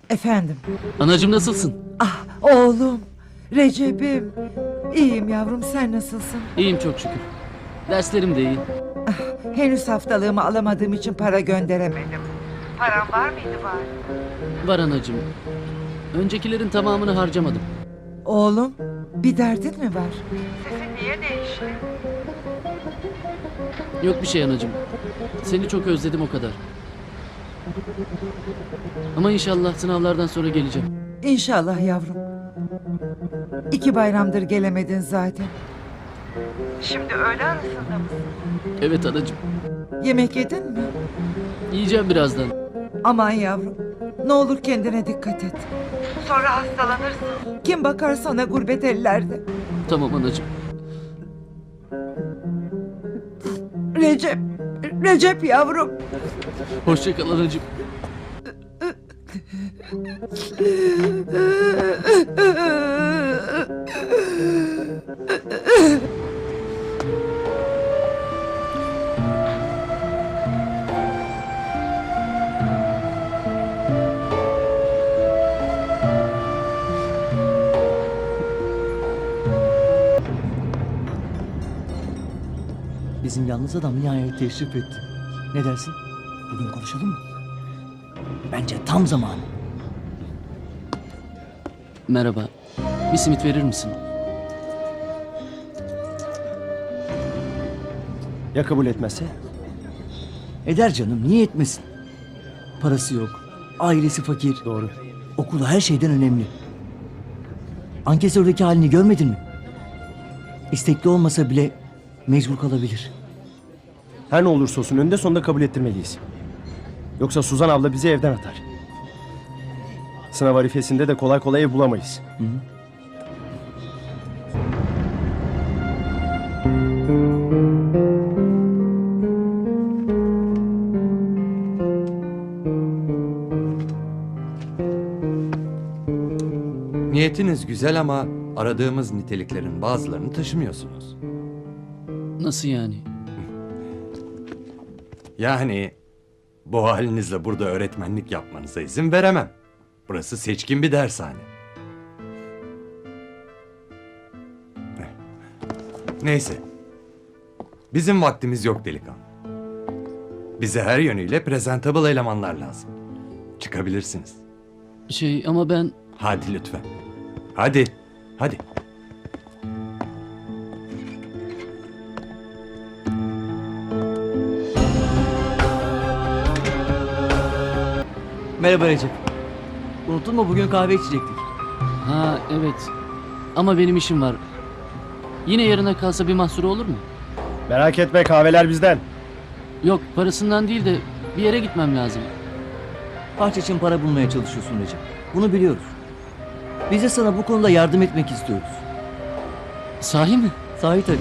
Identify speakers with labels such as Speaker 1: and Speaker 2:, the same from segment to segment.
Speaker 1: Efendim.
Speaker 2: Anacığım nasılsın?
Speaker 1: Ah oğlum. Recep'im. İyiyim yavrum, sen nasılsın?
Speaker 2: İyiyim çok şükür. Derslerim de iyi.
Speaker 1: Henüz haftalığımı alamadığım için para gönderemedim. Param var mıydı bari?
Speaker 2: Var anacığım. Öncekilerin tamamını harcamadım.
Speaker 1: Oğlum, bir derdin mi var? Sesin niye değişti?
Speaker 2: Yok bir şey anacığım. Seni çok özledim o kadar. Ama inşallah sınavlardan sonra geleceğim.
Speaker 1: İnşallah yavrum. 2 bayramdır gelemedin zaten. Şimdi öğle arasında mısın?
Speaker 2: Evet anacığım.
Speaker 1: Yemek yedin mi?
Speaker 2: Yiyeceğim birazdan.
Speaker 1: Aman yavrum. Ne olur kendine dikkat et. Sonra hastalanırsın. Kim bakar sana gurbet ellerde?
Speaker 2: Tamam anacığım.
Speaker 1: Recep. Recep yavrum.
Speaker 2: Hoşça kal anacığım.
Speaker 3: Bizim yalnız adam nihayet teşrif etti. Ne dersin? Bugün konuşalım mı? Bence tam zamanı.
Speaker 2: Merhaba. Bir simit verir misin?
Speaker 4: Ya kabul etmezse?
Speaker 3: Eder canım, niye etmesin? Parası yok, ailesi fakir.
Speaker 4: Doğru.
Speaker 3: Okulu her şeyden önemli. Ankesördeki halini görmedin mi? İstekli olmasa bile mecbur kalabilir.
Speaker 4: Her ne olursa olsun önünde sonunda kabul ettirmeliyiz. Yoksa Suzan abla bizi evden atar. Sınav arifesinde de kolay kolay ev bulamayız.
Speaker 5: Niyetiniz güzel ama aradığımız niteliklerin bazılarını taşımıyorsunuz.
Speaker 2: Nasıl yani?
Speaker 5: Yani bu halinizle burada öğretmenlik yapmanıza izin veremem. Burası seçkin bir dershane. Neyse. Bizim vaktimiz yok delikanlı. Bize her yönüyle presentable elemanlar lazım. Çıkabilirsiniz.
Speaker 2: Ama ben...
Speaker 5: Hadi lütfen. Hadi. Hadi.
Speaker 3: Merhaba Recep. Unuttun mu, bugün kahve içecektik.
Speaker 2: Ha evet. Ama benim işim var. Yine yarına kalsa bir mahsuru olur mu?
Speaker 4: Merak etme, kahveler bizden.
Speaker 2: Yok, parasından değil de bir yere gitmem lazım.
Speaker 3: Harç için para bulmaya çalışıyorsun Recep. Bunu biliyoruz. Biz de sana bu konuda yardım etmek istiyoruz.
Speaker 2: Sahi mi?
Speaker 3: Sahi tabii.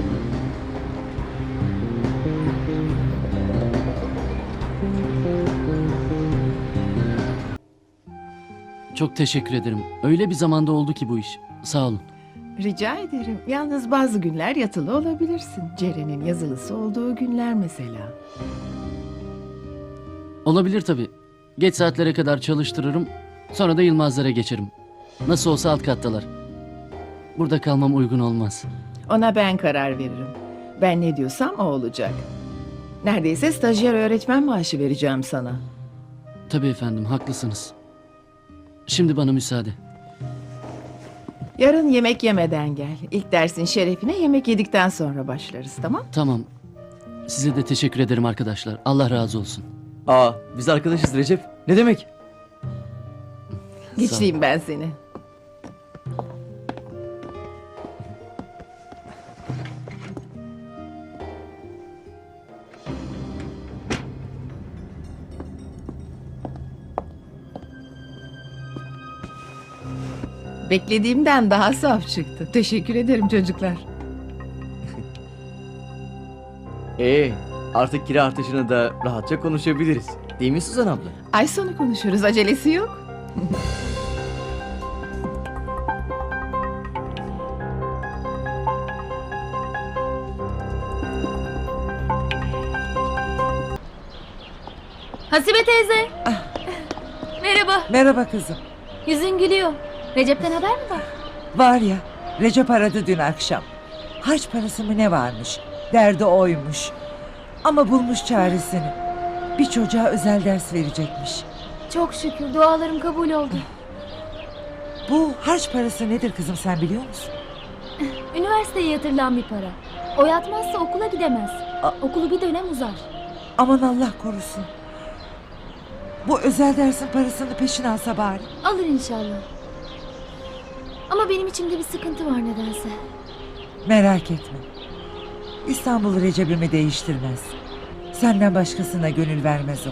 Speaker 2: Çok teşekkür ederim. Öyle bir zamanda oldu ki bu iş. Sağ olun.
Speaker 6: Rica ederim. Yalnız bazı günler yatılı olabilirsin. Ceren'in yazılısı olduğu günler mesela.
Speaker 2: Olabilir tabii. Geç saatlere kadar çalıştırırım. Sonra da Yılmazlara geçerim. Nasıl olsa alt kattalar. Burada kalmam uygun olmaz.
Speaker 6: Ona ben karar veririm. Ben ne diyorsam o olacak. Neredeyse stajyer öğretmen maaşı vereceğim sana.
Speaker 2: Tabii efendim, haklısınız. Şimdi bana müsaade.
Speaker 6: Yarın yemek yemeden gel. İlk dersin şerefine yemek yedikten sonra başlarız, tamam?
Speaker 2: Tamam. Size de teşekkür ederim arkadaşlar. Allah razı olsun.
Speaker 3: Biz arkadaşız Recep. Ne demek?
Speaker 6: Geçleyeyim ben seni. Beklediğimden daha saf çıktı. Teşekkür ederim çocuklar.
Speaker 3: Artık kira artışını da rahatça konuşabiliriz. Değil mi Suzan abla?
Speaker 6: Ay sonu konuşuruz, acelesi yok.
Speaker 7: Hasibe teyze. Merhaba.
Speaker 1: Merhaba kızım.
Speaker 7: Yüzün gülüyor. Recep'ten haber mi var?
Speaker 1: Var ya, Recep aradı dün akşam. Harç parası mı ne varmış? Derdi oymuş. Ama bulmuş çaresini. Bir çocuğa özel ders verecekmiş.
Speaker 7: Çok şükür dualarım kabul oldu.
Speaker 1: Bu harç parası nedir kızım, sen biliyor musun?
Speaker 7: Üniversiteye yatırılan bir para. O yatmazsa okula gidemez. Okulu bir dönem uzar.
Speaker 1: Aman Allah korusun. Bu özel dersin parasını peşin alsa bari.
Speaker 7: Alır inşallah. Ama benim içimde bir sıkıntı var nedense.
Speaker 1: Merak etme. İstanbul Recep'imi değiştirmez. Senden başkasına gönül vermez o.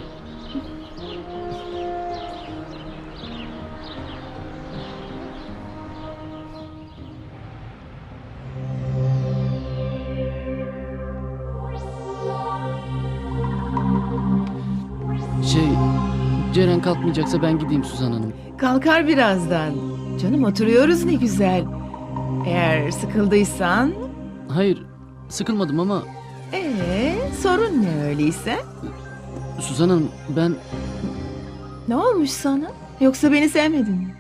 Speaker 2: Ceren kalkmayacaksa ben gideyim Suzan Hanım.
Speaker 6: Kalkar birazdan. Canım oturuyoruz ne güzel. Eğer sıkıldıysan...
Speaker 2: Hayır, sıkılmadım ama
Speaker 6: sorun ne öyleyse?
Speaker 2: Suzan Hanım ben
Speaker 6: Ne olmuş sana? Yoksa beni sevmedin mi?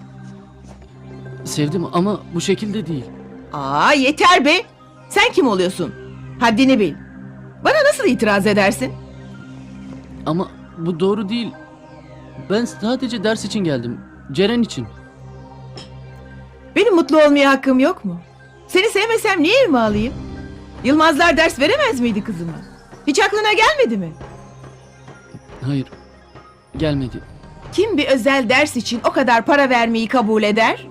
Speaker 2: sevdim ama bu şekilde değil.
Speaker 6: Aa yeter be! Sen kim oluyorsun? Haddini bil. Bana nasıl itiraz edersin?
Speaker 2: Ama bu doğru değil. Ben sadece ders için geldim. Ceren için.
Speaker 6: Benim mutlu olmaya hakkım yok mu? Seni sevmesem niye evime alayım? Yılmazlar ders veremez miydi kızıma? Hiç aklına gelmedi mi?
Speaker 2: Hayır, gelmedi.
Speaker 6: Kim bir özel ders için o kadar para vermeyi kabul eder?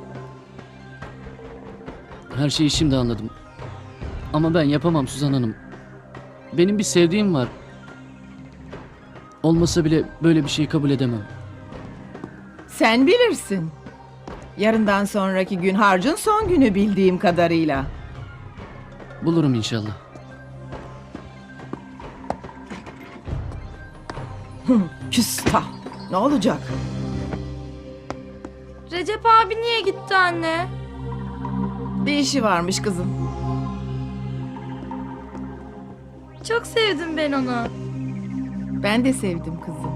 Speaker 2: Her şeyi şimdi anladım. Ama ben yapamam Suzan Hanım. Benim bir sevdiğim var. Olmasa bile böyle bir şeyi kabul edemem.
Speaker 6: Sen bilirsin. Yarından sonraki gün harcın son günü bildiğim kadarıyla.
Speaker 2: Bulurum inşallah.
Speaker 6: Küstah. Ne olacak?
Speaker 7: Recep abi niye gitti anne?
Speaker 6: Bir işi varmış kızım.
Speaker 7: Çok sevdim ben onu.
Speaker 6: Ben de sevdim kızım.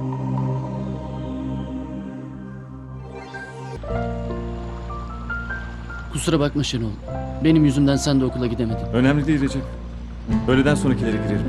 Speaker 2: Kusura bakma Şenol. Benim yüzümden sen de okula gidemedin.
Speaker 8: Önemli değil Recep. Öğleden sonrakilere girerim.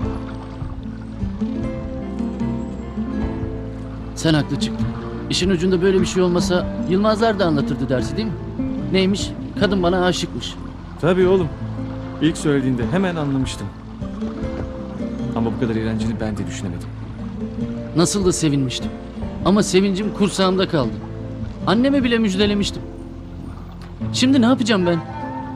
Speaker 2: Sen haklı çıktın. İşin ucunda böyle bir şey olmasa Yılmazlar da anlatırdı dersi değil mi? Neymiş? Kadın bana aşıkmış.
Speaker 8: Tabii oğlum. İlk söylediğinde hemen anlamıştım. Ama bu kadar eğlenceli ben de düşünemedim.
Speaker 2: Nasıl da sevinmiştim. Ama sevincim kursağımda kaldı. Anneme bile müjdelemiştim. Şimdi ne yapacağım ben?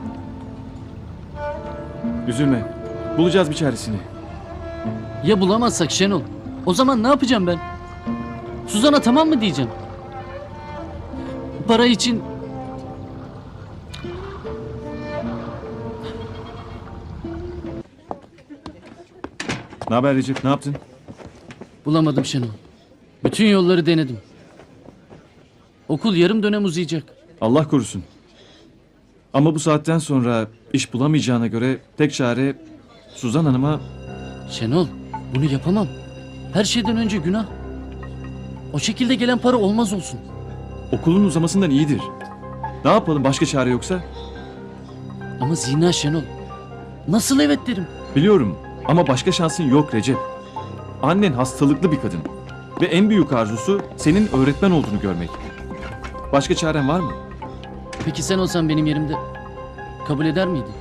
Speaker 8: Üzülme. Bulacağız bir çaresini.
Speaker 2: Ya bulamazsak Şenol? O zaman ne yapacağım ben? Suzan'a tamam mı diyeceğim? Para için...
Speaker 8: Ne haber Recep? Ne yaptın?
Speaker 2: Bulamadım Şenol. Bütün yolları denedim. Okul yarım dönem uzayacak.
Speaker 8: Allah korusun. Ama bu saatten sonra iş bulamayacağına göre tek çare Suzan Hanım'a...
Speaker 2: Şenol, bunu yapamam. Her şeyden önce günah. O şekilde gelen para olmaz olsun.
Speaker 8: Okulun uzamasından iyidir. Ne yapalım başka çare yoksa?
Speaker 2: Ama zina Şenol. Nasıl evet derim?
Speaker 8: Biliyorum ama başka şansın yok Recep. Annen hastalıklı bir kadın. Ve en büyük arzusu senin öğretmen olduğunu görmek. Başka çaren var mı?
Speaker 2: Peki sen olsan benim yerimde kabul eder miydin?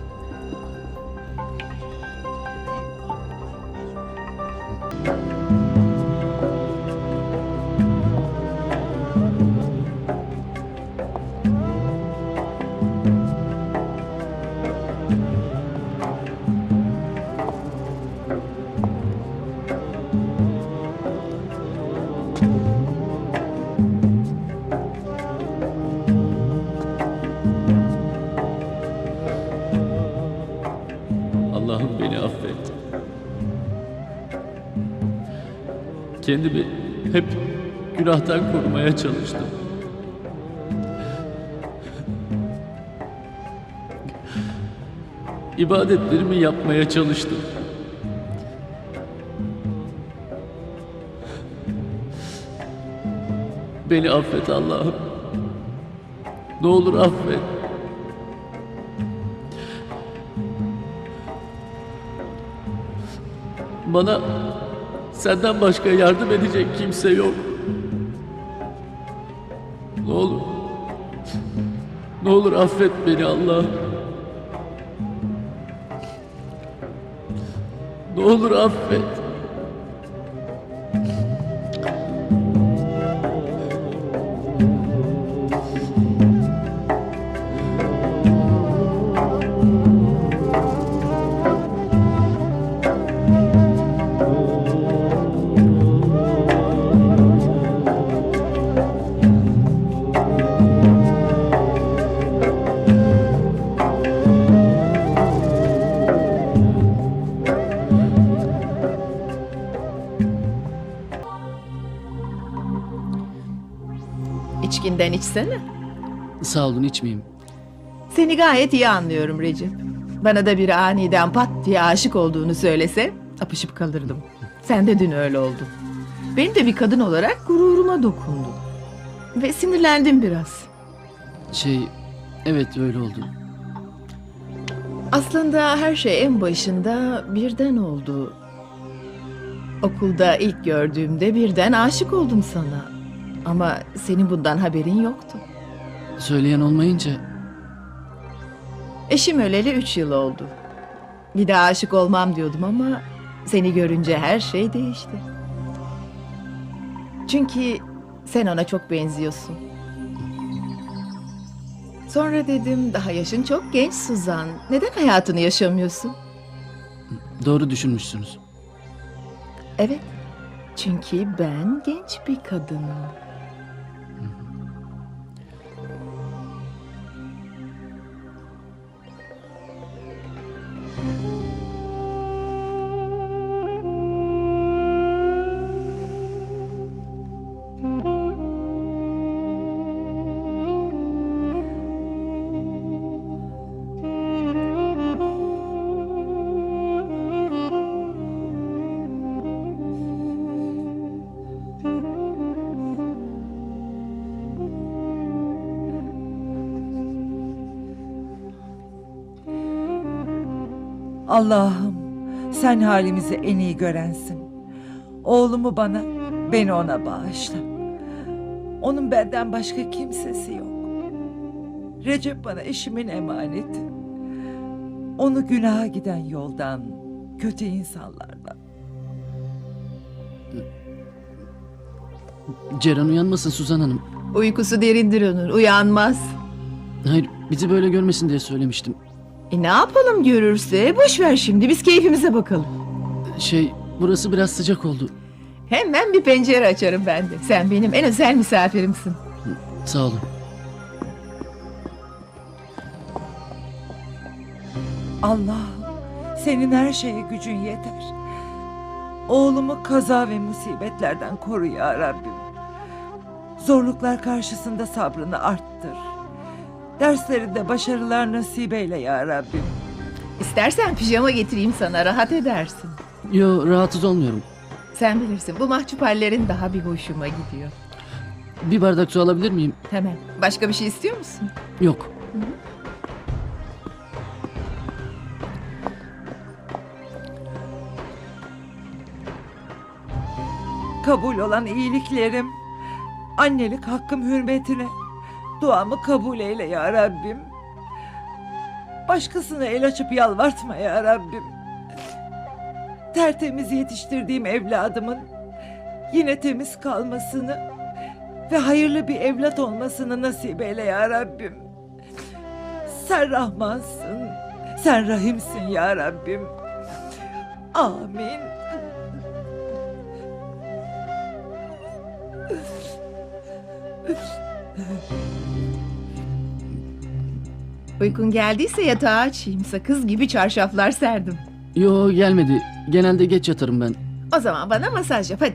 Speaker 2: Allah'ım beni affet. Kendimi hep günahtan korumaya çalıştım. İbadetlerimi yapmaya çalıştım. Beni affet Allah'ım. Ne olur affet. Bana senden başka yardım edecek kimse yok. Ne olur. Ne olur affet beni Allah'ım. Ne olur affet.
Speaker 6: İçkinden içsene.
Speaker 2: Sağ olun, içmeyeyim.
Speaker 6: Seni gayet iyi anlıyorum Recep. Bana da bir aniden pat diye aşık olduğunu söylese apışıp kalırdım. Sen de dün öyle oldun. Benim de bir kadın olarak gururuma dokundu. Ve sinirlendim biraz.
Speaker 2: Evet öyle oldu.
Speaker 6: Aslında her şey en başında birden oldu. Okulda ilk gördüğümde birden aşık oldum sana. Ama senin bundan haberin yoktu.
Speaker 2: Söyleyen olmayınca
Speaker 6: Eşim öleli 3 yıl oldu. Bir daha aşık olmam diyordum ama seni görünce her şey değişti. Çünkü sen ona çok benziyorsun. Sonra dedim daha yaşın çok genç Suzan. Neden hayatını yaşamıyorsun?
Speaker 2: doğru düşünmüşsünüz.
Speaker 6: Evet. Çünkü ben genç bir kadınım.
Speaker 1: Allah'ım sen halimizi en iyi görensin. Oğlumu bana, beni ona bağışla. Onun benden başka kimsesi yok. Recep bana eşimin emaneti. Onu günaha giden yoldan, kötü insanlardan.
Speaker 2: Ceren uyanmasın Suzan Hanım.
Speaker 6: Uykusu derindir onun, uyanmaz.
Speaker 2: Hayır, bizi böyle görmesin diye söylemiştim.
Speaker 6: Ne yapalım görürse? Boş ver şimdi, biz keyfimize bakalım.
Speaker 2: Burası biraz sıcak oldu.
Speaker 6: Hemen bir pencere açarım ben de. Sen benim en özel misafirimsin.
Speaker 2: Sağ olun.
Speaker 1: Allah'ım senin her şeye gücün yeter. Oğlumu kaza ve musibetlerden koru ya Rabbim. Zorluklar karşısında sabrını arttır. Derslerinde başarılar nasip eyle ya Rabbim.
Speaker 6: İstersen pijama getireyim sana, rahat edersin.
Speaker 2: Yo, rahatsız olmuyorum.
Speaker 6: Sen bilirsin, bu mahcup hallerin daha bir hoşuma gidiyor.
Speaker 2: Bir bardak su alabilir miyim?
Speaker 6: Hemen. Başka bir şey istiyor musun?
Speaker 2: Yok.
Speaker 1: Kabul olan iyiliklerim, annelik hakkım hürmetine duamı kabul eyle ya Rabbim. Başkasına el açıp yalvartma ya Rabbim. Tertemiz yetiştirdiğim evladımın yine temiz kalmasını ve hayırlı bir evlat olmasını nasip eyle ya Rabbim. Sen Rahmansın, sen Rahimsin ya Rabbim. Amin.
Speaker 6: Uykun geldiyse yatağı açayım. Sakız gibi çarşaflar serdim.
Speaker 2: Yo, gelmedi. Genelde geç yatarım ben.
Speaker 6: O zaman bana masaj yap hadi.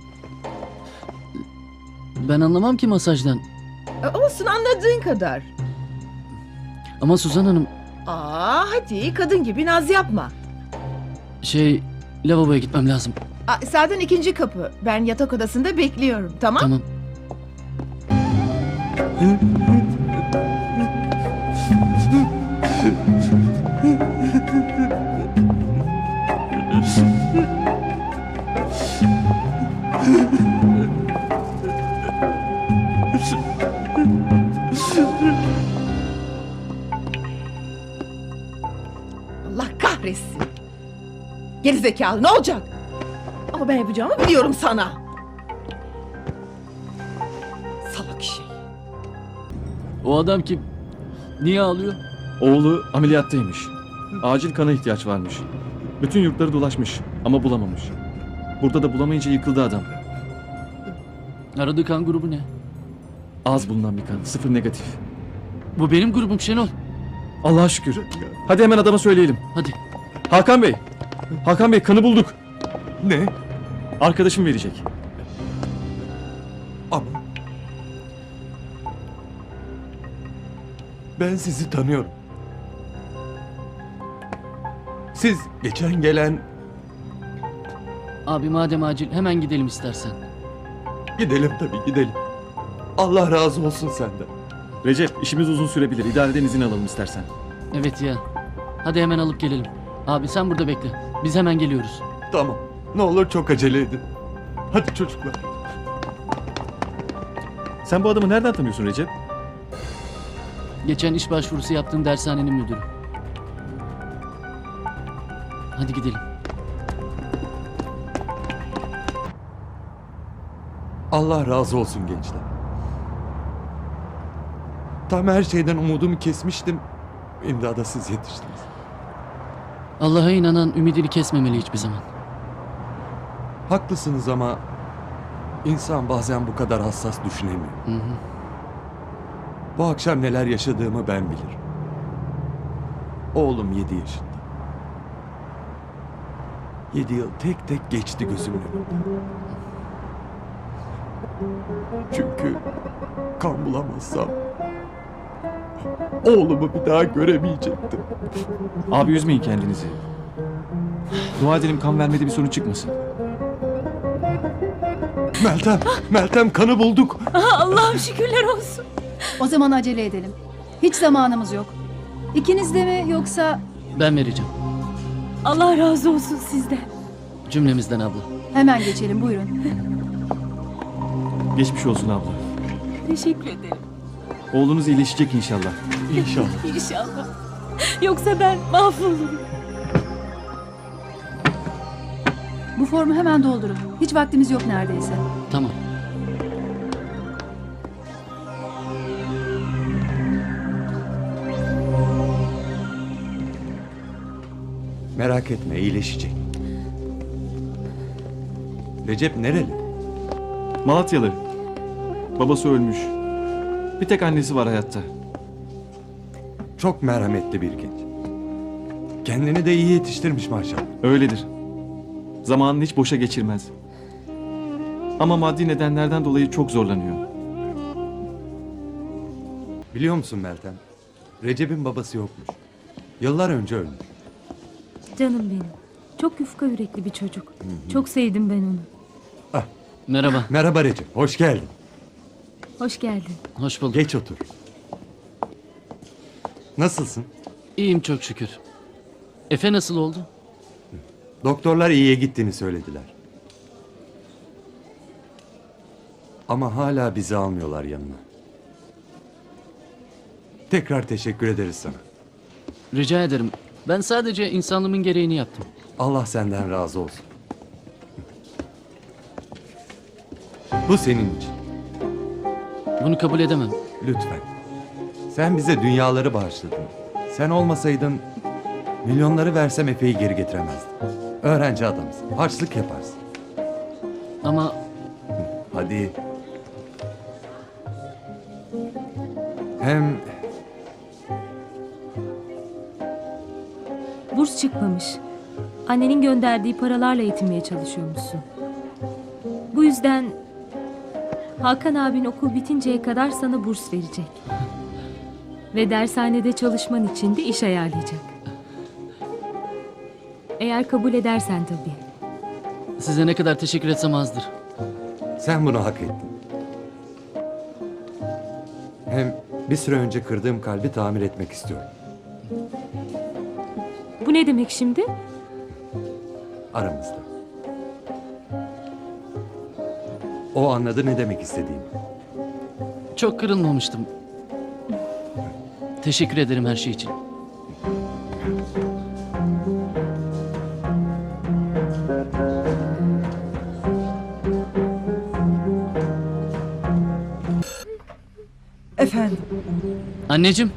Speaker 2: Ben anlamam ki masajdan.
Speaker 6: Olsun, anladığın kadar.
Speaker 2: Ama Suzan Hanım,
Speaker 6: Hadi kadın gibi naz yapma.
Speaker 2: lavaboya gitmem lazım.
Speaker 6: Sağdan 2. kapı. Ben yatak odasında bekliyorum, tamam?
Speaker 2: Tamam.
Speaker 6: Allah kahretsin. Gerizekalı ne olacak? Ama ben yapacağımı biliyorum sana. Salak şey.
Speaker 2: O adam kim? Niye ağlıyor?
Speaker 8: Oğlu ameliyattaymış. Acil kana ihtiyaç varmış. Bütün yurtları dolaşmış ama bulamamış. Burada da bulamayınca yıkıldı adam.
Speaker 2: Aradığı kan grubu ne?
Speaker 8: Az bulunan bir kan, 0 negatif.
Speaker 2: Bu benim grubum Şenol.
Speaker 8: Allah'a şükür. Hadi hemen adama söyleyelim.
Speaker 2: Hadi.
Speaker 8: Hakan Bey. Hakan Bey kanı bulduk.
Speaker 5: Ne?
Speaker 8: Arkadaşım verecek.
Speaker 5: Ama... Ben sizi tanıyorum. Siz geçen gelen...
Speaker 2: Abi madem acil hemen gidelim istersen.
Speaker 5: Gidelim tabii gidelim. Allah razı olsun senden.
Speaker 8: Recep işimiz uzun sürebilir. İdareden izin alalım istersen.
Speaker 2: Evet ya. Hadi hemen alıp gelelim. Abi sen burada bekle. Biz hemen geliyoruz.
Speaker 5: Tamam. Ne olur çok acele edin. Hadi çocuklar.
Speaker 8: Sen bu adamı nereden tanıyorsun Recep?
Speaker 2: Geçen iş başvurusu yaptığım dershanenin müdürü. Hadi gidelim.
Speaker 5: Allah razı olsun gençler. Tam her şeyden umudumu kesmiştim. İmdada siz yetiştiniz.
Speaker 2: Allah'a inanan ümidini kesmemeli hiçbir zaman.
Speaker 5: Haklısınız ama insan bazen bu kadar hassas düşünemiyor.
Speaker 2: Hı hı.
Speaker 5: Bu akşam neler yaşadığımı ben bilirim. Oğlum 7 yaşında. 7 yıl tek tek geçti gözümün önünden. Çünkü kan bulamazsam oğlumu bir daha göremeyecektim.
Speaker 8: Abi üzmeyin kendinizi. Dua edelim kan vermede bir sorun çıkmasın.
Speaker 5: Meltem kanı bulduk.
Speaker 9: Allah'ım şükürler olsun. O zaman acele edelim. Hiç zamanımız yok. İkiniz de mi yoksa...
Speaker 2: Ben vereceğim.
Speaker 9: Allah razı olsun sizden.
Speaker 2: Cümlemizden abla.
Speaker 9: Hemen geçelim buyurun.
Speaker 8: Geçmiş olsun abla.
Speaker 9: Teşekkür ederim.
Speaker 8: Oğlunuz iyileşecek inşallah.
Speaker 5: İnşallah.
Speaker 9: İnşallah. Yoksa ben mahvolurum. Bu formu hemen doldurun. Hiç vaktimiz yok neredeyse.
Speaker 2: Tamam.
Speaker 5: Merak etme iyileşecek. Recep nereli?
Speaker 8: Malatyalı. Babası ölmüş. Bir tek annesi var hayatta.
Speaker 5: Çok merhametli bir genç. Kendini de iyi yetiştirmiş maşallah.
Speaker 8: Öyledir. Zamanını hiç boşa geçirmez. Ama maddi nedenlerden dolayı çok zorlanıyor.
Speaker 5: Biliyor musun Meltem? Recep'in babası yokmuş. Yıllar önce ölmüş.
Speaker 7: Canım benim. Çok yufka yürekli bir çocuk. Çok sevdim ben onu.
Speaker 2: Merhaba.
Speaker 5: Merhaba Recep, hoş geldin.
Speaker 7: Hoş geldin.
Speaker 2: Hoş bulduk.
Speaker 5: Geç otur. Nasılsın?
Speaker 2: İyiyim çok şükür. Efe nasıl oldu?
Speaker 5: Doktorlar iyiye gittiğini söylediler. Ama hala bizi almıyorlar yanına. Tekrar teşekkür ederiz sana.
Speaker 2: Rica ederim. Ben sadece insanlığımın gereğini yaptım.
Speaker 5: Allah senden razı olsun. Bu senin için.
Speaker 2: Bunu kabul edemem.
Speaker 5: Lütfen. Sen bize dünyaları bağışladın. Sen olmasaydın milyonları versem Efe'yi geri getiremezdim. Öğrenci adamsın. Harçlık yaparsın.
Speaker 2: Ama
Speaker 5: Hadi. Hem
Speaker 7: Burs çıkmamış. Annenin gönderdiği paralarla yetinmeye çalışıyormuşsun. Bu yüzden Hakan abin okul bitinceye kadar sana burs verecek. Ve dershanede çalışman için de iş ayarlayacak. Eğer kabul edersen tabii.
Speaker 2: size ne kadar teşekkür etsem azdır.
Speaker 5: sen bunu hak ettin. Hem bir süre önce kırdığım kalbi tamir etmek istiyorum.
Speaker 7: Bu ne demek şimdi?
Speaker 5: Aramızda. O anladı ne demek istediğimi.
Speaker 2: Çok kırılmamıştım. Teşekkür ederim her şey için.
Speaker 1: Efendim,
Speaker 2: Anneciğim,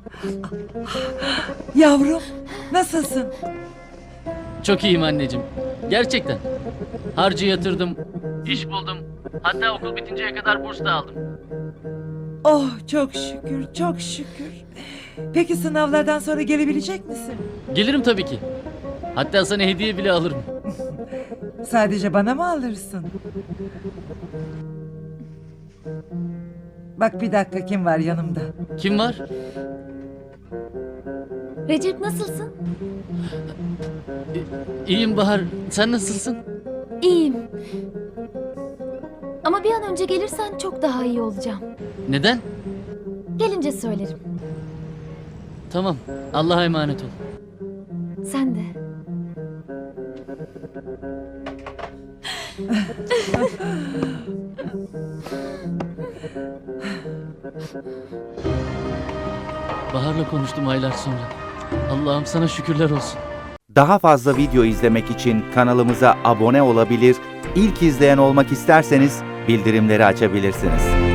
Speaker 1: yavrum nasılsın?
Speaker 2: çok iyiyim anneciğim. Gerçekten. Harcı yatırdım, iş buldum. Hatta okul bitinceye kadar burs da aldım.
Speaker 1: Oh çok şükür, çok şükür. Peki sınavlardan sonra gelebilecek misin?
Speaker 2: Gelirim tabii ki. Hatta sana hediye bile alırım.
Speaker 1: Sadece bana mı alırsın? Bak bir dakika kim var yanımda?
Speaker 2: Kim var?
Speaker 10: Recep nasılsın?
Speaker 2: İyiyim Bahar. Sen nasılsın?
Speaker 10: İyiyim. Ama bir an önce gelirsen çok daha iyi olacağım.
Speaker 2: Neden?
Speaker 10: Gelince söylerim.
Speaker 2: Tamam. Allah'a emanet ol.
Speaker 10: Sen de.
Speaker 2: Bahar'la konuştum aylar sonra. Allah'ım sana şükürler olsun.
Speaker 11: Daha fazla video izlemek için kanalımıza abone olabilir, ilk izleyen olmak isterseniz bildirimleri açabilirsiniz.